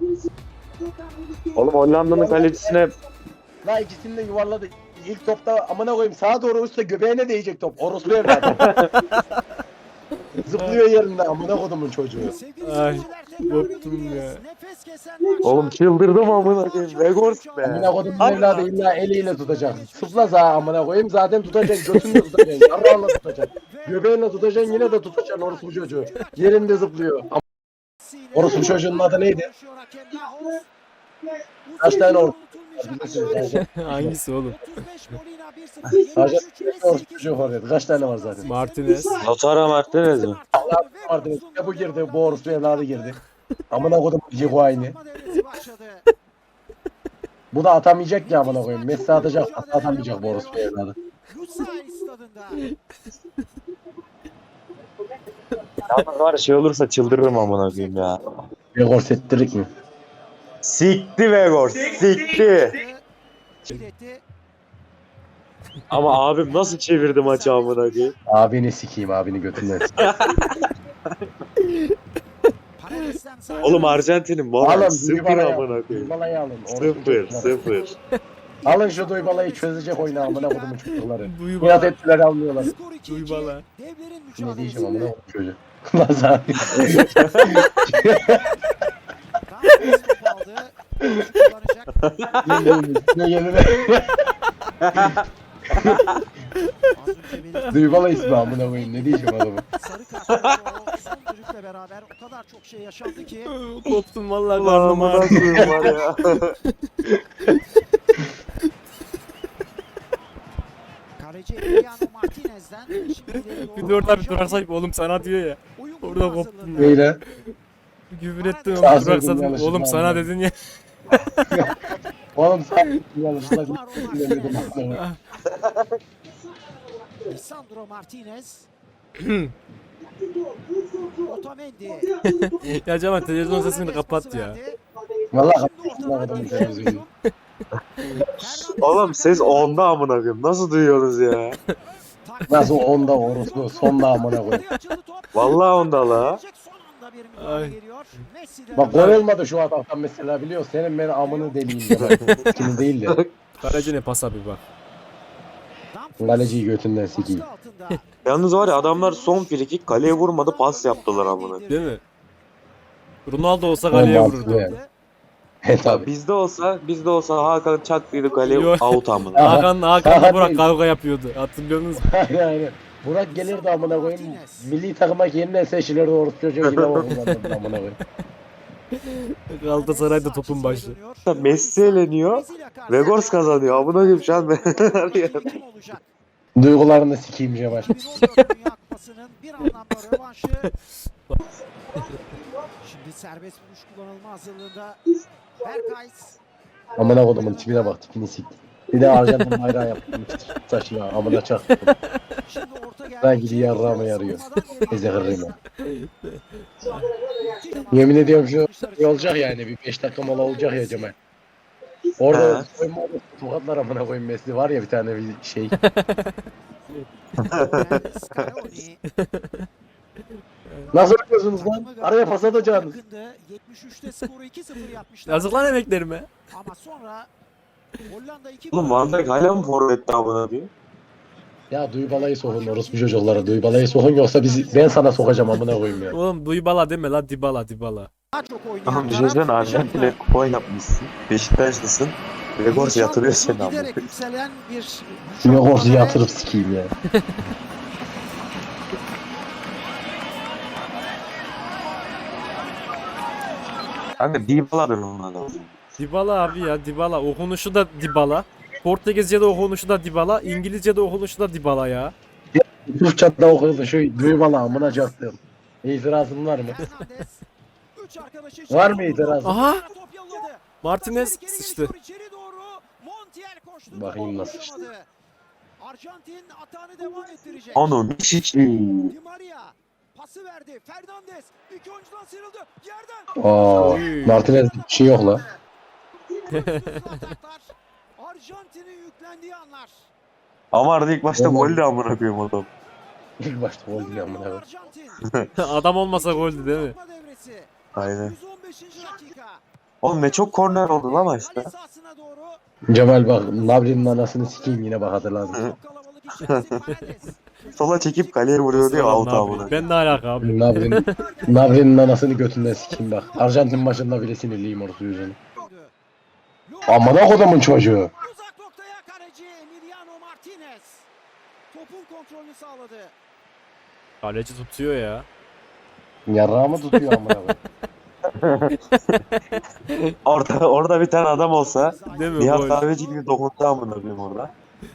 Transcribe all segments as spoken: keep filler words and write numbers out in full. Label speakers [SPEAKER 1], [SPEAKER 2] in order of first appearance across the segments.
[SPEAKER 1] Oğlum Hollanda'nın kalecisine
[SPEAKER 2] La ikisini de yuvarladı. İlk topta amına koyayım sağa doğru uçsa göbeğine değecek top. Orospu evladı. Zıplıyor yerinde amına kodumun çocuğu.
[SPEAKER 3] Ay, koptum ya.
[SPEAKER 1] oğlum çıldırdım amına koyayım. Vegors be.
[SPEAKER 2] Amına kodumun evladı illa eliyle tutacak. Sıpla sağa amına koyayım zaten tutacak. Götünle tutacaksın. Yarrağınla tutacaksın. Göbeğinle tutacaksın yine de tutacaksın orospu çocuğu. Yerinde zıplıyor. Am- Orospu çocuğunun adı neydi? Kaç tane or...
[SPEAKER 3] Hangisi oğlum?
[SPEAKER 2] Sadece orospu çocuğu var dedi. Kaç tane var zaten?
[SPEAKER 3] Martinez.
[SPEAKER 1] Lautaro Martinez mi?
[SPEAKER 2] Vardı. Ya bu girdi. Bu orospu evladı girdi. Amına kodum Cigo aynı. Bu da atamayacak ya amına koyayım. Messi atacak, atamayacak bu orospu evladı.
[SPEAKER 1] Yalnız var ya şey olursa çıldırırım amına koyayım ya.
[SPEAKER 2] Vegors ettirik mi?
[SPEAKER 1] Sikti Vegors, sikti. Ama abim nasıl çevirdi maçı amına koyayım.
[SPEAKER 2] Abini sikeyim, abini götünden sikeyim.
[SPEAKER 1] Oğlum Arjantin'in moral
[SPEAKER 2] Alın,
[SPEAKER 1] sıfır
[SPEAKER 2] Duybala'yı
[SPEAKER 1] amına
[SPEAKER 2] alın.
[SPEAKER 1] koyayım.
[SPEAKER 2] Duybala'yı alın. Orospu
[SPEAKER 1] Sıfır,
[SPEAKER 2] çocukları.
[SPEAKER 1] sıfır.
[SPEAKER 2] Alın şu Duybala'yı çözecek oyunu amına kodumun çocukları.
[SPEAKER 3] Duybala.
[SPEAKER 2] Nihat ettiler almıyorlar.
[SPEAKER 3] Duybala.
[SPEAKER 2] Ne diyeceğim amına kodum çocuğu. Lan sen. Ne yerine? Duybala ismi amına koyayım. Ne diyeceğim adamı?
[SPEAKER 4] Sarı kartla o son düdükle beraber o kadar çok şey yaşandı ki
[SPEAKER 3] Koptum vallahi
[SPEAKER 1] Ulan
[SPEAKER 3] karnım
[SPEAKER 1] amına
[SPEAKER 3] ağrıyor.
[SPEAKER 1] koyayım var ya.
[SPEAKER 4] kaleci Emiliano Martinez'den şimdi ileri doğru
[SPEAKER 3] Bir de orada bir
[SPEAKER 4] Arjantin
[SPEAKER 3] durak sahip oğlum sana diyor ya.
[SPEAKER 4] oyun
[SPEAKER 3] orada
[SPEAKER 4] kurma
[SPEAKER 3] koptum
[SPEAKER 4] hazırlığında.
[SPEAKER 2] Neyle?
[SPEAKER 3] Küfür ettim
[SPEAKER 2] Sağ
[SPEAKER 3] oğlum durak
[SPEAKER 2] söyledim,
[SPEAKER 3] sattım.
[SPEAKER 2] yanlışlıkla
[SPEAKER 3] Oğlum sana
[SPEAKER 2] anladım.
[SPEAKER 3] dedin ya.
[SPEAKER 2] Oğlum sen yanlışlıkla
[SPEAKER 4] Var o
[SPEAKER 2] dinlemedim.
[SPEAKER 4] Martinez. Lisandro Martinez. Otamendi.
[SPEAKER 3] Ya Cemal televizyon sesini kapat ya.
[SPEAKER 2] Valla kapatma adamın televizyonu.
[SPEAKER 1] Oğlum ses onda amına koyayım. Nasıl duyuyorsunuz ya?
[SPEAKER 2] Nasıl onda orospu sonda amına koyayım.
[SPEAKER 1] Vallahi onda la.
[SPEAKER 3] Ay.
[SPEAKER 2] Bak gol olmadı şu ataktan mesela biliyor. Senin beni amını deliyim de bak. Kimi değil de.
[SPEAKER 3] Kaleci ne pas abi bak.
[SPEAKER 2] Kaleciyi götünden sikeyim.
[SPEAKER 1] Yalnız var ya adamlar son frikik kaleye vurmadı pas yaptılar amına.
[SPEAKER 3] Değil mi? Ronaldo olsa kaleye
[SPEAKER 2] Olmaz
[SPEAKER 3] vururdu.
[SPEAKER 2] yani. He tabi.
[SPEAKER 1] Bizde olsa bizde olsa Hakan çaktıydı kaleye
[SPEAKER 3] Yok.
[SPEAKER 1] out amına.
[SPEAKER 2] Aha.
[SPEAKER 3] Hakan Hakan'la
[SPEAKER 2] Hakan
[SPEAKER 3] Burak
[SPEAKER 2] değil.
[SPEAKER 3] kavga yapıyordu. Hatırlıyorsunuz mu?
[SPEAKER 2] yani Burak gelirdi amına koyayım. Milli takıma yeniden seçilirdi orospu çocuğu yine vururlardı amına koyayım.
[SPEAKER 3] Galatasaray'da topun başı.
[SPEAKER 1] Messi eleniyor. Vegors kazanıyor. Amına koyayım şu an ben.
[SPEAKER 2] Duygularını sikeyim Cemal.
[SPEAKER 4] iki bin on dört Dünya Kupası'nın bir anlamda rövanşı. Şimdi serbest vuruş kullanılma hazırlığında Berkays.
[SPEAKER 2] Amına kodumun tipine bak tipini sik. Bir de Arjantin bayrağı yaptım. Saçına amına çaktım.
[SPEAKER 4] Şimdi orta geldi.
[SPEAKER 2] Ben gidi yarrağıma yarıyor. Eze kırrıyım ya. Yemin ediyorum şu şey olacak yani bir beş dakika mola olacak ya Cemal. Orada
[SPEAKER 1] He.
[SPEAKER 2] soyunma odası tokatlar amına koyayım Messi var ya bir tane bir şey.
[SPEAKER 4] Scaloni.
[SPEAKER 2] Nasıl yapıyorsunuz lan? Araya pas atacaksınız.
[SPEAKER 4] Yakındı. yetmiş üçte skoru iki sıfır yapmışlar.
[SPEAKER 3] Yazık lan emeklerime.
[SPEAKER 4] Ama sonra Hollanda iki
[SPEAKER 1] Oğlum Van Dijk hala mı forvette amına diyor?
[SPEAKER 2] Ya Duybala'yı sokun orospu çocuklara. Duybala'yı sokun yoksa bizi, ben sana sokacağım amına koyayım ya.
[SPEAKER 3] Oğlum Duybala deme la Dybala Dybala.
[SPEAKER 4] daha çok oynayan
[SPEAKER 1] Tamam
[SPEAKER 4] taraf
[SPEAKER 1] düşünsene Arjantin'e kupa yapmışsın. Beşiktaşlısın. Vegors yatırıyor seni amına
[SPEAKER 4] giderek
[SPEAKER 1] koyayım.
[SPEAKER 4] yükselen bir
[SPEAKER 2] Şimdi orası yatırıp sikeyim ya.
[SPEAKER 1] Kanka Dybala'dır onun adamı.
[SPEAKER 3] Dybala abi ya Dybala. Okunuşu da Dybala. Portekizce'de okunuşu da Dybala. İngilizce'de okunuşu da Dybala ya.
[SPEAKER 2] Türkçe'de okuyordu şu Duybala amına çaktım. İtirazın var mı?
[SPEAKER 4] Fernandes. Üç arkadaşı
[SPEAKER 2] Var mı itirazın?
[SPEAKER 3] Aha.
[SPEAKER 4] top yolladı.
[SPEAKER 3] Martinez
[SPEAKER 4] Geri
[SPEAKER 3] sıçtı.
[SPEAKER 4] geçiyor içeri doğru. Montiel koştu.
[SPEAKER 2] Bakayım
[SPEAKER 4] Topu
[SPEAKER 2] nasıl sıçtı.
[SPEAKER 4] ulaşamadı. Arjantin atağını devam ettirecek.
[SPEAKER 1] Onun hiç
[SPEAKER 4] Di Maria pası verdi. Fernandes iki oyuncudan sıyrıldı. Yerden.
[SPEAKER 2] Aa, Martinez bir şey yok la.
[SPEAKER 4] Ataklar. Arjantin'in yüklendiği anlar.
[SPEAKER 1] Ama arada ilk başta
[SPEAKER 2] Oğlum.
[SPEAKER 1] gol de amına koyayım adam.
[SPEAKER 2] İlk başta gol diyor amına koyayım.
[SPEAKER 4] Arjantin.
[SPEAKER 3] Adam olmasa goldü değil mi?
[SPEAKER 4] Uzatma devresi.
[SPEAKER 1] Aynen.
[SPEAKER 4] yüz on beşinci dakika.
[SPEAKER 1] Oğlum ne çok korner oldu lan maçta.
[SPEAKER 4] Kale sahasına doğru.
[SPEAKER 2] Cemal bak Nabri'nin anasını sikeyim yine bak hatırladım.
[SPEAKER 4] Çok kalabalık içerisi Paredes.
[SPEAKER 1] Sola çekip kaleye vuruyordu ya
[SPEAKER 3] Sıradan
[SPEAKER 1] out
[SPEAKER 3] ne yapayım?
[SPEAKER 1] amına.
[SPEAKER 3] Ben ne alaka abi?
[SPEAKER 2] Nabri'nin Nabri'nin anasını götünden sikeyim bak. Arjantin maçında bile sinirliyim orası yüzünü. Amına kodumun çocuğu.
[SPEAKER 4] Uzak noktaya kaleci Emiliano Martinez. Topun kontrolünü sağladı.
[SPEAKER 3] Kaleci tutuyor ya.
[SPEAKER 2] Yarrağımı tutuyor amına koyayım.
[SPEAKER 1] Orada orada bir tane adam olsa
[SPEAKER 3] Değil mi?
[SPEAKER 1] Nihat
[SPEAKER 3] Gol.
[SPEAKER 1] Kahveci gibi dokundu amına koyayım orada.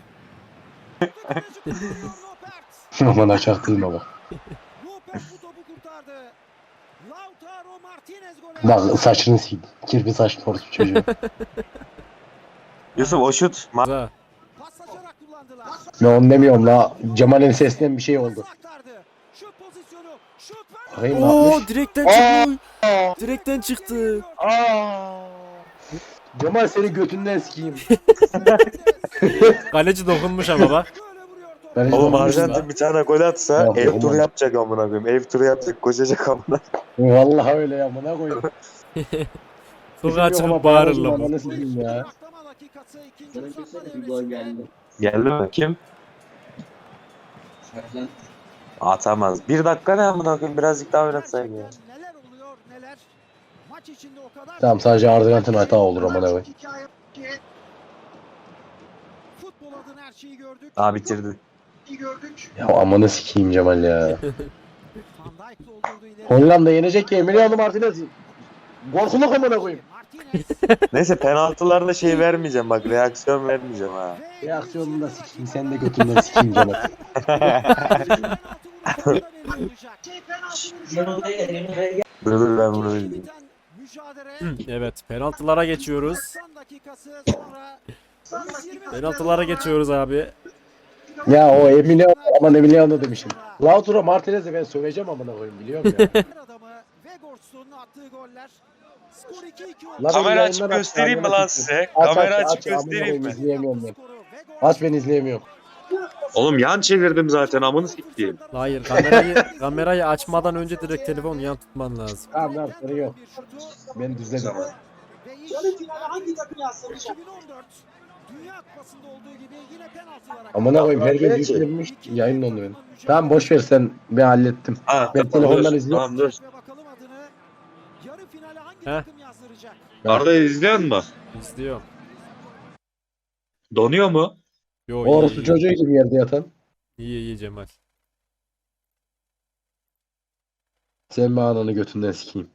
[SPEAKER 2] Aman çaktırma bak.
[SPEAKER 4] Lopez bu topu kurtardı. Lautaro Martinez gole.
[SPEAKER 2] Bak saçını sikeyim. Kirpi saçlı orası çocuğu.
[SPEAKER 1] Yusuf o şut ma-
[SPEAKER 3] Ha.
[SPEAKER 4] Paslaşarak kullandılar.
[SPEAKER 2] Ben onu demiyorum la. Cemal'in sesinden bir şey oldu.
[SPEAKER 4] Aktardı. Şut pozisyonu. Şut
[SPEAKER 2] Bakayım ne
[SPEAKER 3] Oo
[SPEAKER 2] yapmış?
[SPEAKER 3] direkten
[SPEAKER 2] Aa!
[SPEAKER 3] çıktı. Direkten çıktı.
[SPEAKER 2] Cemal seni götünden sikeyim.
[SPEAKER 3] Kaleci dokunmuş ama bak.
[SPEAKER 2] Ben
[SPEAKER 1] Oğlum
[SPEAKER 2] dokunmuşum
[SPEAKER 1] Arjantin
[SPEAKER 2] la.
[SPEAKER 1] bir tane gol atsa
[SPEAKER 2] Yok,
[SPEAKER 1] ev
[SPEAKER 2] yok,
[SPEAKER 1] turu
[SPEAKER 2] olmaz.
[SPEAKER 1] yapacak amına koyayım. Ev turu yapacak koşacak amına.
[SPEAKER 2] Vallahi öyle ya amına koyayım.
[SPEAKER 3] Sokağa
[SPEAKER 2] Bizim yok ama
[SPEAKER 3] çıkıp bağırırlar
[SPEAKER 2] bağırırım,
[SPEAKER 3] bu.
[SPEAKER 2] ananı sikeyim ya.
[SPEAKER 1] Geldi mi? Kim? Atamaz. Bir dakika ne amına koyayım birazcık daha oynatsaydı ya.
[SPEAKER 4] Neler oluyor neler. Maç içinde o kadar.
[SPEAKER 2] Tamam sadece Arjantin hata olur amına koyayım.
[SPEAKER 4] Futbol adına her şeyi gördük.
[SPEAKER 1] Aa bitirdi.
[SPEAKER 2] Ya amanı sikeyim Cemal ya.
[SPEAKER 4] Van Dijk doldurdu ileri.
[SPEAKER 2] Hollanda yenecek ya Emiliano Martinez. Korkuluk amına koyayım.
[SPEAKER 4] Martinez.
[SPEAKER 1] Neyse penaltılarda şey vermeyeceğim bak reaksiyon vermeyeceğim ha.
[SPEAKER 4] ve-
[SPEAKER 2] Reaksiyonunu da sikeyim sen de götünden sikeyim Cemal.
[SPEAKER 4] Penaltı vuruşunda verilecek.
[SPEAKER 1] Dur dur ben bunu bildim.
[SPEAKER 4] Biten mücadele.
[SPEAKER 3] Hı, Evet penaltılara geçiyoruz.
[SPEAKER 4] doksan dakikası sonra yüz yirmi
[SPEAKER 3] Penaltılara geçiyoruz abi.
[SPEAKER 2] Ya o Emiliano aman Emiliano demişim. Lautaro Martinez'i ben söveceğim amına koyayım biliyor musun ya?
[SPEAKER 4] adamı Vegors'un attığı goller. Skor iki iki oldu.
[SPEAKER 2] Lan
[SPEAKER 1] Kamera
[SPEAKER 2] benim
[SPEAKER 1] açıp
[SPEAKER 2] yayınlar
[SPEAKER 1] göstereyim mi
[SPEAKER 2] açtım,
[SPEAKER 1] lan
[SPEAKER 2] yayınlar
[SPEAKER 1] size?
[SPEAKER 2] Aç,
[SPEAKER 1] Kamera
[SPEAKER 2] aç,
[SPEAKER 1] açıp
[SPEAKER 2] aç, amına
[SPEAKER 1] göstereyim
[SPEAKER 2] koyayım,
[SPEAKER 1] mi?
[SPEAKER 2] izleyemiyorum ben.
[SPEAKER 4] Skoru Vegors
[SPEAKER 2] Aç ben izleyemiyorum.
[SPEAKER 1] Oğlum yan çevirdim zaten amını siktiğim.
[SPEAKER 3] Hayır kamerayı kamerayı açmadan önce direkt telefon yan tutman lazım.
[SPEAKER 2] Tamam tamam sorun yok. Ben düzledim.
[SPEAKER 4] ve iş hangi takım yansımayacak? iki bin on dört Dünya Kupası'nda olduğu gibi yine penaltılara.
[SPEAKER 2] Amına koyayım herkes yüklenmiş yayın onu benim. Tamam boş ver sen ben hallettim.
[SPEAKER 1] Ha,
[SPEAKER 2] Ben telefondan
[SPEAKER 1] dur,
[SPEAKER 2] izliyorum.
[SPEAKER 1] Tamam dur.
[SPEAKER 4] Ve bakalım adını yarı finale hangi
[SPEAKER 3] Heh.
[SPEAKER 4] takım yazdıracak?
[SPEAKER 1] Arda izliyor mu?
[SPEAKER 3] İzliyorum.
[SPEAKER 1] Donuyor mu?
[SPEAKER 3] Yo iyi,
[SPEAKER 2] Orası
[SPEAKER 3] iyi,
[SPEAKER 2] çocuğu gibi yerde yatan.
[SPEAKER 3] iyi iyi Cemal.
[SPEAKER 2] Sen mi ananı götünden sikeyim.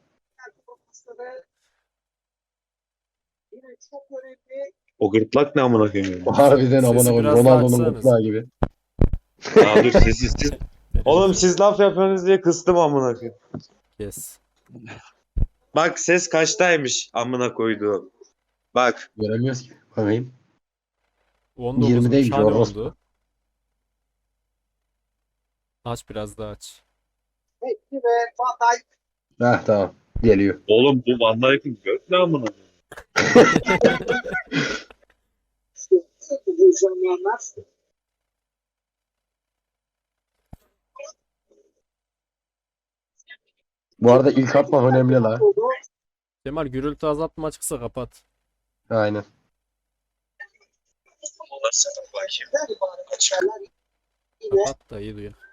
[SPEAKER 1] O gırtlak ne amına koyayım?
[SPEAKER 2] Harbiden amına
[SPEAKER 3] Sesi
[SPEAKER 2] koyayım.
[SPEAKER 3] biraz daha
[SPEAKER 2] Ronaldo'nun
[SPEAKER 3] açsanız.
[SPEAKER 2] gırtlağı gibi.
[SPEAKER 1] Aa dur sessiz siz. Oğlum siz laf yapıyorsunuz diye kıstım amına koyayım.
[SPEAKER 3] Yes.
[SPEAKER 1] Bak ses kaçtaymış amına koyduğum. Bak.
[SPEAKER 2] Göremiyoruz ki. Bakayım.
[SPEAKER 3] on dokuz
[SPEAKER 2] yirmideymiş
[SPEAKER 3] hani
[SPEAKER 2] orospu.
[SPEAKER 3] oldu. Aç biraz daha aç.
[SPEAKER 2] Heh tamam. Geliyor.
[SPEAKER 1] Oğlum bu Van Dijk'in gök ne amına koyayım?
[SPEAKER 2] Bu arada ilk atmak önemli la.
[SPEAKER 3] Cemal gürültü azaltma açıksa kapat.
[SPEAKER 2] Aynen.
[SPEAKER 3] Kapat da iyi duyar.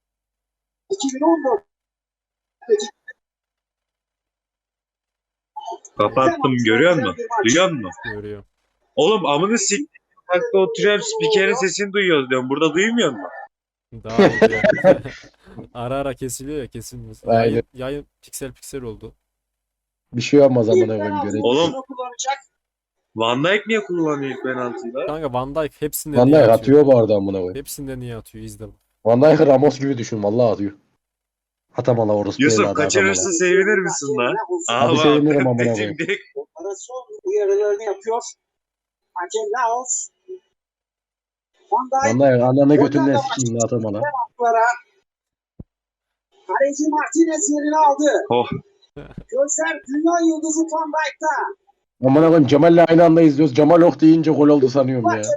[SPEAKER 1] Kapattım görüyor musun? Duyuyor musun?
[SPEAKER 3] Görüyorum.
[SPEAKER 1] Oğlum amını sik. Hakta oturuyorum spikerin sesini duyuyoruz diyorum. Burada duymuyor musun?
[SPEAKER 3] Daha iyi duyar. Ara ara kesiliyor ya kesilmesin.
[SPEAKER 2] Aynen.
[SPEAKER 3] Yayın, yayın piksel piksel oldu.
[SPEAKER 2] Bir şey olmaz amına koyayım görelim.
[SPEAKER 1] Oğlum Van Dijk niye kullanıyor ilk penaltıyı?
[SPEAKER 3] Kanka Van Dijk hepsinden
[SPEAKER 2] Van
[SPEAKER 3] iyi
[SPEAKER 2] Dijk
[SPEAKER 3] atıyor.
[SPEAKER 2] atıyor bu arada amına koyayım.
[SPEAKER 3] Hepsinden iyi atıyor izle. bak.
[SPEAKER 2] Van Dijk'ı Ramos gibi düşün vallahi atıyor. Atamala orası.
[SPEAKER 1] Yusuf kaçırırsa sevinir misin lan? Aa
[SPEAKER 2] Hadi
[SPEAKER 1] bak,
[SPEAKER 2] sevinirim amına
[SPEAKER 1] dediğim
[SPEAKER 2] koyayım.
[SPEAKER 1] direkt-
[SPEAKER 5] Operasyon uyarılarını yapıyor. Hakem Laos. Van
[SPEAKER 2] Van
[SPEAKER 5] Dijk
[SPEAKER 2] Dijk ananı götünden sikeyim atamala.
[SPEAKER 5] atlara. Kaleci Martinez yerini aldı.
[SPEAKER 1] Oh.
[SPEAKER 5] Gözler dünya yıldızı Van Dijk'ta.
[SPEAKER 2] Amına koyayım Cemal'le aynı anda izliyoruz. Cemal ok deyince gol oldu sanıyorum ya.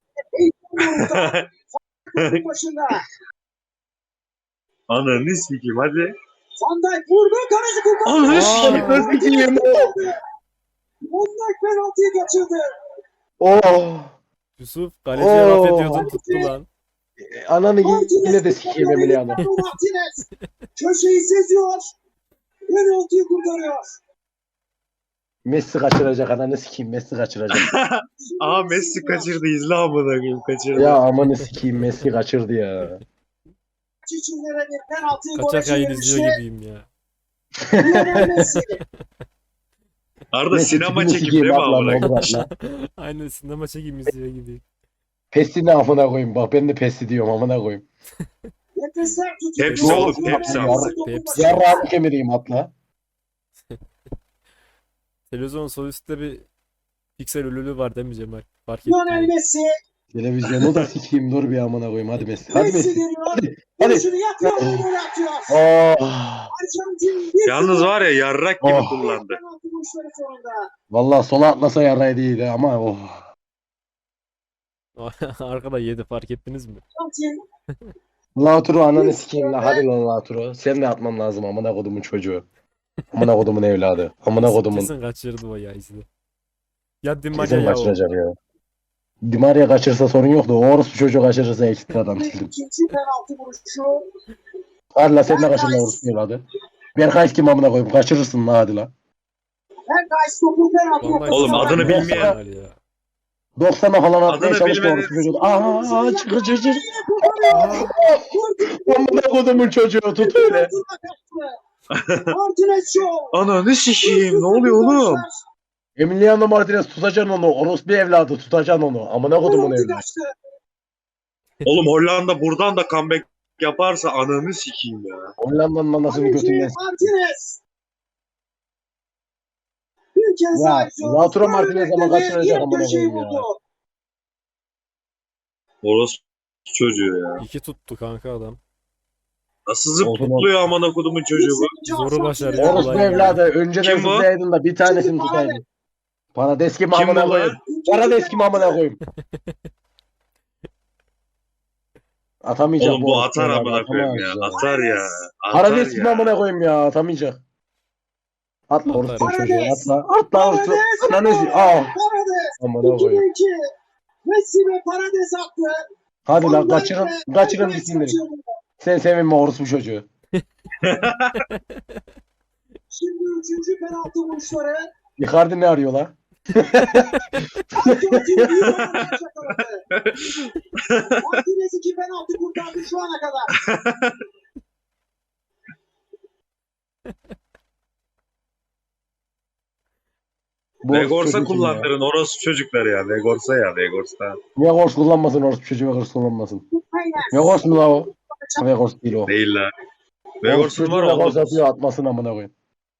[SPEAKER 5] Başında.
[SPEAKER 1] Ananı sikeyim hadi.
[SPEAKER 5] Van Dijk vurdu. Kaleci kurtardı.
[SPEAKER 1] Ananı
[SPEAKER 2] Aa,
[SPEAKER 1] sikeyim.
[SPEAKER 2] sikeyim.
[SPEAKER 5] Onlar penaltıyı kaçırdı.
[SPEAKER 2] Oh.
[SPEAKER 3] Yusuf kaleciye laf
[SPEAKER 2] Oo.
[SPEAKER 3] ediyordun tuttu lan.
[SPEAKER 2] Ananı yine de sikeyim Emiliano.
[SPEAKER 5] Martinez köşeyi seziyor. Penaltıyı kurtarıyor.
[SPEAKER 2] Messi kaçıracak ananı sikeyim Messi kaçıracak.
[SPEAKER 1] Aa Messi kaçırdı izle amına koyayım kaçırdı.
[SPEAKER 2] Ya amanı sikeyim Messi kaçırdı ya.
[SPEAKER 5] Çiçinlere bir penaltıyı gole
[SPEAKER 3] Kaçak yayın
[SPEAKER 5] çevirmişti.
[SPEAKER 3] izliyor gibiyim ya.
[SPEAKER 5] Lionel Messi.
[SPEAKER 1] Arada
[SPEAKER 2] Messi
[SPEAKER 1] sinema
[SPEAKER 2] tipini
[SPEAKER 1] çekimi
[SPEAKER 2] sikeyim
[SPEAKER 1] değil mi
[SPEAKER 2] atla
[SPEAKER 1] amına
[SPEAKER 2] ne
[SPEAKER 1] koyayım?
[SPEAKER 2] olur atla.
[SPEAKER 3] Aynen sinema çekim izliyor gibi.
[SPEAKER 2] Pesini amına koyayım bak ben de Pesi diyorum amına koyayım.
[SPEAKER 5] Nefesler tutuyor.
[SPEAKER 1] Hepsi
[SPEAKER 2] Doğru,
[SPEAKER 1] oğlum
[SPEAKER 2] doğru.
[SPEAKER 1] hepsi
[SPEAKER 2] Ya,
[SPEAKER 1] amına.
[SPEAKER 5] Messi topu
[SPEAKER 3] hepsi.
[SPEAKER 5] başına.
[SPEAKER 2] Yarrağımı kemireyim atla.
[SPEAKER 3] Televizyon sol üstte bir piksel ölülü var değil mi Cemal? Fark ettim.
[SPEAKER 5] Lionel Messi.
[SPEAKER 2] Televizyonu da sikeyim dur bir amına koyayım hadi Messi. Hadi
[SPEAKER 5] Messi
[SPEAKER 2] Messi.
[SPEAKER 5] geliyor.
[SPEAKER 2] Hadi. Hadi.
[SPEAKER 5] Vuruşunu yapıyor. Gol atıyor.
[SPEAKER 2] Oh.
[SPEAKER 5] Arjantin bir
[SPEAKER 1] Yalnız
[SPEAKER 5] sıfır.
[SPEAKER 1] var ya yarrak gibi
[SPEAKER 2] Oh.
[SPEAKER 1] kullandı.
[SPEAKER 5] Penaltı vuruşları sonunda.
[SPEAKER 2] Vallahi sola atlasa yarraydı iyiydi ama oh.
[SPEAKER 3] Arkada yedi fark ettiniz mi?
[SPEAKER 5] Arjantin
[SPEAKER 2] Lautaro ananı sikeyim la hadi lan Lautaro. Sen de atman lazım amına kodumun çocuğu. Amına kodumun evladı. Amına kodumun.
[SPEAKER 3] Kesin kaçırdı o ya izle. Ya Di Maria
[SPEAKER 2] Kesin
[SPEAKER 3] ya o.
[SPEAKER 2] kaçıracak ya. Di Maria kaçırsa sorun yok da o orospu çocuğu kaçırırsa ekstradan sildim.
[SPEAKER 5] ikinci penaltı vuruşu.
[SPEAKER 2] Hadi la sen de kaçır la orospu evladı. Berkay kim amına koyayım kaçırırsın la hadi la.
[SPEAKER 5] Berkay topu penaltı
[SPEAKER 3] Vallahi
[SPEAKER 5] noktasına
[SPEAKER 1] Oğlum, adını
[SPEAKER 5] bıraktı.
[SPEAKER 1] bilmeyen-
[SPEAKER 3] Cemal ya.
[SPEAKER 2] doksana falan atmaya
[SPEAKER 1] Adını
[SPEAKER 2] çalıştı
[SPEAKER 1] bilmeden-
[SPEAKER 2] orospu çocuğu. Aaa çıkır çıkır. Amına kodumun çocuğu tut öyle.
[SPEAKER 5] Martinez Show.
[SPEAKER 1] Ananı sikeyim ne oluyor oğlum?
[SPEAKER 2] Emiliano Martinez tutacaksın onu. Orospu evladı tutacaksın onu. Amına kodumun
[SPEAKER 5] Penaltı
[SPEAKER 2] evladı.
[SPEAKER 5] kaçtı.
[SPEAKER 1] Oğlum Hollanda buradan da comeback yaparsa ananı sikeyim ya.
[SPEAKER 2] Hollanda'nın anasını
[SPEAKER 5] Kaleci
[SPEAKER 2] götünden.
[SPEAKER 5] Martinez. Bir kez
[SPEAKER 2] Ya,
[SPEAKER 5] daha izliyoruz.
[SPEAKER 2] Lautaro Martinez ama
[SPEAKER 5] Önünde
[SPEAKER 2] kaçıracak
[SPEAKER 5] yine
[SPEAKER 2] amına
[SPEAKER 5] köşeyi
[SPEAKER 2] koyayım ya.
[SPEAKER 5] buldu.
[SPEAKER 1] Orospu çocuğu ya.
[SPEAKER 3] İki tuttu kanka adam.
[SPEAKER 1] Nasıl
[SPEAKER 2] Olsun,
[SPEAKER 1] zıplıyor amına kodumun çocuğu bu?
[SPEAKER 3] Zoru başardı.
[SPEAKER 5] Martinez.
[SPEAKER 2] Orospu
[SPEAKER 3] Olay ya.
[SPEAKER 2] evladı önceden
[SPEAKER 1] Kim bu?
[SPEAKER 2] zıplayaydın da bir tanesini tutaydın. Parades kim
[SPEAKER 1] Kim
[SPEAKER 2] amına
[SPEAKER 1] bu
[SPEAKER 2] koyayım.
[SPEAKER 1] lan?
[SPEAKER 2] Parades kim amına koyayım. Atamayacak
[SPEAKER 1] Oğlum bu
[SPEAKER 2] orospu
[SPEAKER 1] atar
[SPEAKER 2] evladı,
[SPEAKER 1] amına koyayım ya.
[SPEAKER 2] atamaz
[SPEAKER 1] Atar ya. Atar
[SPEAKER 2] Parades kim
[SPEAKER 1] ya.
[SPEAKER 2] amına koyayım ya atamayacak. Atla
[SPEAKER 3] Atar.
[SPEAKER 2] orospu çocuğu
[SPEAKER 5] Parades.
[SPEAKER 2] atla. Atla orospu. Ananı si- Aa.
[SPEAKER 5] Parades.
[SPEAKER 2] Amına
[SPEAKER 5] iki
[SPEAKER 2] koyayım.
[SPEAKER 5] iki. Messi ve Parades attı.
[SPEAKER 2] Hadi lan
[SPEAKER 5] Van Dijk
[SPEAKER 2] kaçırın.
[SPEAKER 5] ve
[SPEAKER 2] Kaçırın
[SPEAKER 5] Alvarez
[SPEAKER 2] bitsin direkt.
[SPEAKER 5] kaçırdı.
[SPEAKER 2] Sen sevinme orospu çocuğu.
[SPEAKER 5] Şimdi üçüncü penaltı vuruşları.
[SPEAKER 2] Icardi ne arıyor la?
[SPEAKER 5] Arjantin bir oyuncu yakaladı. Martinez iki penaltı kurtardı şu ana kadar.
[SPEAKER 2] Bu orospu
[SPEAKER 1] Vegors'a
[SPEAKER 2] çocuğu kim ya?
[SPEAKER 1] kullandırın orospu çocukları ya. Vegors'a ya Vegors'a.
[SPEAKER 2] Vegors kullanmasın orospu çocuğu Vegors kullanmasın.
[SPEAKER 5] Aynen.
[SPEAKER 2] Vegors mu la o? Vegors değil o.
[SPEAKER 1] Değil la.
[SPEAKER 2] Orospu
[SPEAKER 1] Vegors'un
[SPEAKER 2] çocuğu
[SPEAKER 1] var
[SPEAKER 2] Vegors
[SPEAKER 1] oğlum.
[SPEAKER 2] atıyor atmasın amına koyayım.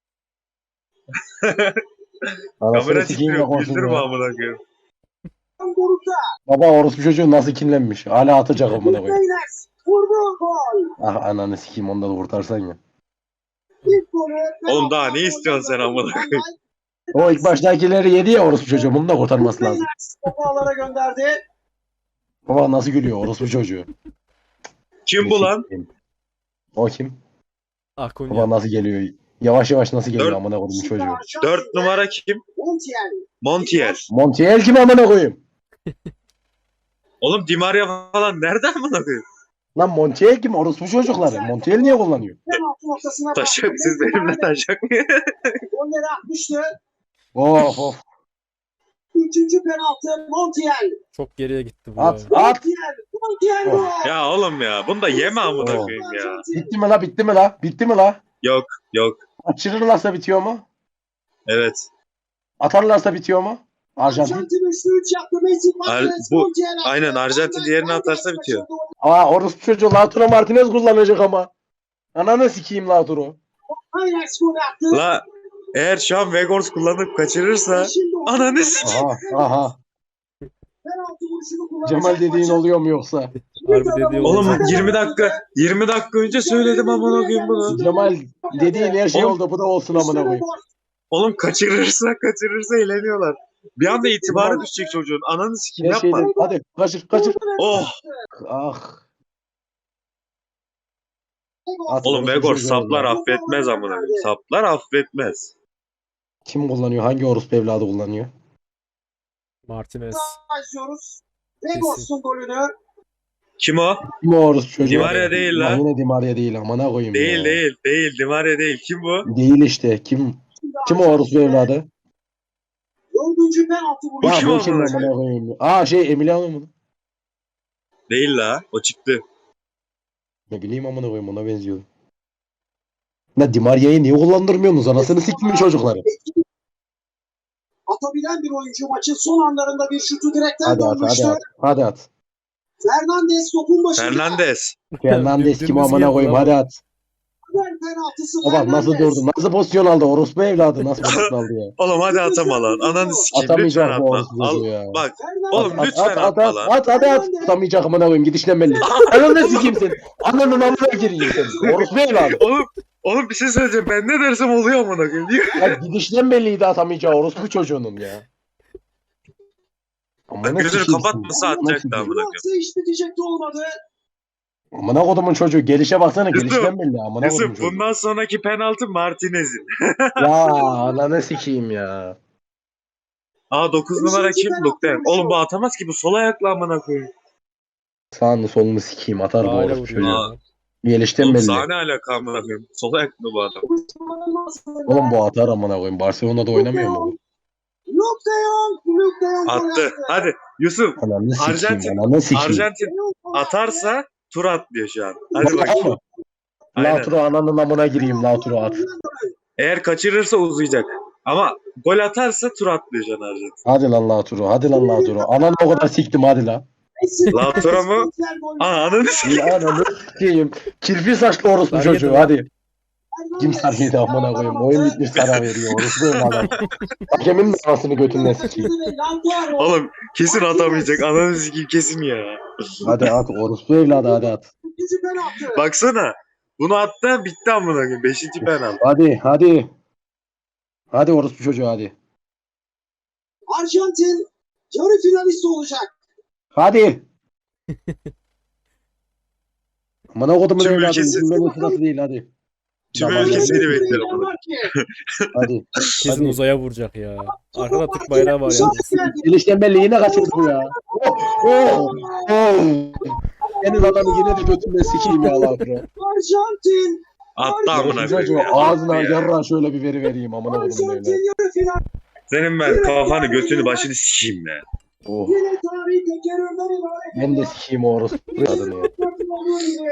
[SPEAKER 2] Anasını
[SPEAKER 1] Kamera
[SPEAKER 2] sikeyim
[SPEAKER 1] titriyor.
[SPEAKER 2] Vegors'un
[SPEAKER 1] Güldürme
[SPEAKER 2] ya.
[SPEAKER 1] amına koyayım.
[SPEAKER 5] Doruk'ta.
[SPEAKER 2] Baba orospu çocuğu nasıl kinlenmiş? Hala atacak amına koyayım.
[SPEAKER 5] Reyners vurdu gol.
[SPEAKER 2] Ah ananı sikeyim onu da kurtarsan ya.
[SPEAKER 5] İlk golü.
[SPEAKER 1] Oğlum daha ne istiyorsun sen amına koyayım?
[SPEAKER 2] O ilk baştakileri yedi ya orospu çocuğu. Bunu da kurtarması lazım.
[SPEAKER 5] Reyners topu ağlara gönderdi.
[SPEAKER 2] Baba nasıl gülüyor orospu çocuğu.
[SPEAKER 1] Kim bu lan?
[SPEAKER 2] O kim?
[SPEAKER 3] Akunya.
[SPEAKER 2] Baba nasıl geliyor? Yavaş yavaş nasıl geliyor
[SPEAKER 1] Dört-
[SPEAKER 2] amına koyayım çocuğu.
[SPEAKER 1] Dört numara kim?
[SPEAKER 5] Montiel.
[SPEAKER 1] Montiel.
[SPEAKER 2] Montiel kim amına koyayım?
[SPEAKER 1] Oğlum Di Maria falan nereden amına koyayım?
[SPEAKER 2] Lan Montiel kim? Orospu çocukları. Montiel niye kullanıyor?
[SPEAKER 5] Penaltı noktasına
[SPEAKER 1] Taşak siz benimle taşak mı?
[SPEAKER 5] Golleri atmıştı.
[SPEAKER 2] Of of.
[SPEAKER 5] Üçüncü penaltı Montiel.
[SPEAKER 3] Çok geriye gitti bu ya.
[SPEAKER 2] At at.
[SPEAKER 5] Montiel. Montiel
[SPEAKER 2] Oh.
[SPEAKER 5] gol.
[SPEAKER 1] Ya oğlum ya bunu da yeme amına
[SPEAKER 2] Oh.
[SPEAKER 1] koyayım ya.
[SPEAKER 2] Bitti mi la? Bitti mi la? Bitti mi la?
[SPEAKER 1] Yok yok.
[SPEAKER 2] Kaçırırlarsa bitiyor mu?
[SPEAKER 1] Evet.
[SPEAKER 2] Atarlarsa bitiyor mu? Arjantin.
[SPEAKER 5] Arjantin üçlü üç yaptı. Messi Martinez.
[SPEAKER 1] bu-
[SPEAKER 5] Montiel attı.
[SPEAKER 1] aynen, Arjantin
[SPEAKER 5] Van Dijk,
[SPEAKER 1] diğerini
[SPEAKER 5] Van Dijk
[SPEAKER 1] atarsa bitiyor.
[SPEAKER 5] kaçırdı.
[SPEAKER 2] Aa orospu çocuğu Lautaro Martinez kullanacak ama. Ananı sikeyim Lautaro.
[SPEAKER 5] Aynen gol attı.
[SPEAKER 1] La eğer şu an Vegors kullanıp kaçırırsa
[SPEAKER 5] Şimdi o
[SPEAKER 1] ananı sikeyim.
[SPEAKER 2] Aha aha.
[SPEAKER 5] penaltı vuruşunu kullanacak.
[SPEAKER 2] Cemal dediğin
[SPEAKER 5] maçın
[SPEAKER 2] oluyor mu yoksa?
[SPEAKER 3] Harbi dediği
[SPEAKER 1] Oğlum
[SPEAKER 3] olacak.
[SPEAKER 1] yirmi dakika yirmi dakika önce söyledim amına koyayım bunu.
[SPEAKER 2] Cemal dediğin her şey
[SPEAKER 1] Oğlum,
[SPEAKER 2] oldu. Bu da olsun amına koyayım.
[SPEAKER 1] Oğlum kaçırırsa kaçırırsa eğleniyorlar. Bir anda itibarı
[SPEAKER 2] Cemal-
[SPEAKER 1] düşecek çocuğun. Ananı sikeyim
[SPEAKER 2] Her
[SPEAKER 1] yapma.
[SPEAKER 2] şeyden. Hadi kaçır kaçır.
[SPEAKER 1] Oh.
[SPEAKER 2] Ah. At
[SPEAKER 1] Oğlum
[SPEAKER 2] orospu
[SPEAKER 1] Vegors
[SPEAKER 2] çocuğu
[SPEAKER 1] saplar
[SPEAKER 2] ya.
[SPEAKER 1] affetmez amına koyayım. Saplar affetmez.
[SPEAKER 2] Kim kullanıyor? Hangi orospu evladı kullanıyor?
[SPEAKER 3] Martinez.
[SPEAKER 5] Başlıyoruz. Vegos'un golünü.
[SPEAKER 1] Kim o?
[SPEAKER 2] Kim o orospu çocuğu?
[SPEAKER 1] Di Maria değil
[SPEAKER 2] Ulan
[SPEAKER 1] lan.
[SPEAKER 2] Yine Di Maria değil amına koyayım
[SPEAKER 1] Değil
[SPEAKER 2] ya.
[SPEAKER 1] değil değil. Di Maria değil. Kim bu?
[SPEAKER 2] Değil işte. Kim? Kim o orospu evladı?
[SPEAKER 5] Dördüncü penaltı
[SPEAKER 1] Bu
[SPEAKER 2] Ya
[SPEAKER 5] vuruşu.
[SPEAKER 1] kim
[SPEAKER 2] bu kim
[SPEAKER 1] amına
[SPEAKER 2] amına koyayım? Aa şey Emiliano mu?
[SPEAKER 1] Değil la. O çıktı.
[SPEAKER 2] Ne bileyim amına koyayım ona benziyor. Ne Di Maria'yı niye kullandırmıyorsunuz? Anasını siktimin çocukları.
[SPEAKER 5] Atabilen bir oyuncu maçın son anlarında bir şutu direkten
[SPEAKER 2] Hadi at hadi
[SPEAKER 5] dönmüştü.
[SPEAKER 2] at. Hadi at.
[SPEAKER 5] Fernandes topun başında.
[SPEAKER 1] Fernandes.
[SPEAKER 2] Fernandes kim
[SPEAKER 3] Dümdüz
[SPEAKER 2] amına
[SPEAKER 3] geldi
[SPEAKER 2] koyayım
[SPEAKER 3] lan
[SPEAKER 2] hadi
[SPEAKER 3] bu.
[SPEAKER 2] at.
[SPEAKER 5] Haber penaltısı
[SPEAKER 2] Bak nasıl
[SPEAKER 5] Fernandes.
[SPEAKER 2] durdu? Nasıl pozisyon aldı? Orospu evladı nasıl pozisyon aldı ya?
[SPEAKER 1] Oğlum hadi atama lan. Ananı sikeyim. Lütfen
[SPEAKER 2] Atamayacak bu
[SPEAKER 1] atma.
[SPEAKER 2] orospu
[SPEAKER 1] Al.
[SPEAKER 2] çocuğu ya.
[SPEAKER 1] Bak.
[SPEAKER 5] Fernandes.
[SPEAKER 1] Oğlum
[SPEAKER 2] At,
[SPEAKER 1] lütfen
[SPEAKER 2] at, at,
[SPEAKER 1] atma
[SPEAKER 2] at,
[SPEAKER 1] lan.
[SPEAKER 2] at, hadi at. Tutamayacak amına koyayım gidişten belli. Ananı sikeyim sen. Ananın amına gireyim sen. Orospu evladı.
[SPEAKER 1] Oğlum. Oğlum bir şey söyleyeceğim. Ben ne dersem oluyor amına koyayım. Niye?
[SPEAKER 2] Ya gidişten belliydi atamayacağı orospu çocuğunun ya.
[SPEAKER 1] Bak
[SPEAKER 2] Amına
[SPEAKER 1] gözünü
[SPEAKER 2] sikeyim
[SPEAKER 1] kapatmasa
[SPEAKER 2] seni. Amına
[SPEAKER 1] atacaktı
[SPEAKER 2] sikeyim.
[SPEAKER 1] amına koyayım.
[SPEAKER 5] Penaltı iş bitecekti olmadı.
[SPEAKER 2] Amına kodumun çocuğu gelişe baksana
[SPEAKER 1] Yusuf,
[SPEAKER 2] gelişten belli amına kodumun
[SPEAKER 1] Yusuf
[SPEAKER 2] çocuğu.
[SPEAKER 1] bundan sonraki penaltı Martinez'in.
[SPEAKER 2] Ya ananı sikeyim ya.
[SPEAKER 1] Aa dokuz numara kim? Lukten. Oğlum bu atamaz ki bu sol ayakla amına koyayım.
[SPEAKER 2] Sağını solunu sikeyim atar bu
[SPEAKER 3] Hala
[SPEAKER 2] orospu
[SPEAKER 3] vuruyor.
[SPEAKER 2] çocuğu.
[SPEAKER 1] Aa.
[SPEAKER 2] Gelişten
[SPEAKER 1] Oğlum
[SPEAKER 2] belli.
[SPEAKER 1] sahne alaka amına koyayım. Sol ayak mı bu adam?
[SPEAKER 2] Oğlum bu atar amına koyayım. Barcelona'da oynamıyor mu? bu?
[SPEAKER 5] Luke de Jong. Luke de Jong gol
[SPEAKER 1] Attı. Hadi Yusuf.
[SPEAKER 2] Ananı sikeyim.
[SPEAKER 1] Arjantin-
[SPEAKER 2] Ananı sikeyim.
[SPEAKER 1] Arjantin atarsa tur atlıyor şu an. Hadi bakayım. Aynen.
[SPEAKER 2] Lautaro ananın amına gireyim Lautaro at.
[SPEAKER 1] Eğer kaçırırsa uzayacak. Ama gol atarsa tur atlıyor şu an Arjantin.
[SPEAKER 2] Hadi lan Lautaro. Hadi lan Lautaro. Ananı o kadar siktim hadi lan.
[SPEAKER 1] Lautaro mu? Aa ananı s-
[SPEAKER 2] Ananı sikeyim. Kirpi saçlı orospu
[SPEAKER 3] Sarı
[SPEAKER 2] çocuğu
[SPEAKER 3] yedi.
[SPEAKER 2] hadi. Kim sarıydı amına koyayım. Oyun bitmiş sana veriyor. Orospu evladı. Hakemin de anasını götünden sikeyim.
[SPEAKER 1] Oğlum kesin atamayacak. Ananı sikeyim kesin ya.
[SPEAKER 2] Hadi at orospu evladı hadi at.
[SPEAKER 5] İkinci penaltı.
[SPEAKER 1] Baksana. Bunu attı bitti amına koyayım. Beşinci penaltı.
[SPEAKER 2] Hadi hadi. Hadi orospu çocuğu hadi.
[SPEAKER 5] Arjantin yarı finalist olacak.
[SPEAKER 2] Hadi. Amına kodumun
[SPEAKER 1] Tüm
[SPEAKER 2] evladı.
[SPEAKER 1] ülkesi-
[SPEAKER 2] Bizim sırası değil hadi.
[SPEAKER 1] Tüm
[SPEAKER 2] Tamam,
[SPEAKER 1] ülkesini
[SPEAKER 2] hadi.
[SPEAKER 1] bekler amına.
[SPEAKER 2] Hadi.
[SPEAKER 3] Kesin
[SPEAKER 2] Hadi.
[SPEAKER 3] uzaya vuracak ya. Arkada Türk bayrağı var ya.
[SPEAKER 2] Gelişten belli yine kaçırdı bu ya. Oh, oh, oh. Senin adamı yine de götünden sikeyim ya Lautaro.
[SPEAKER 5] Arjantin.
[SPEAKER 1] Attı amına
[SPEAKER 2] Orospu
[SPEAKER 1] koyayım.
[SPEAKER 2] çocuğu
[SPEAKER 1] ya.
[SPEAKER 2] ağzına
[SPEAKER 1] Attı ya.
[SPEAKER 2] yarra şöyle bir veri vereyim amına kodumun evladı.
[SPEAKER 5] Arjantin yarı final.
[SPEAKER 1] Senin ben kafanı götünü başını sikeyim ya.
[SPEAKER 2] Oh.
[SPEAKER 5] Yine tarihi tekerrürden ibaret.
[SPEAKER 2] Ben de sikeyim o orospu evladını ya.
[SPEAKER 5] Olduğu gibi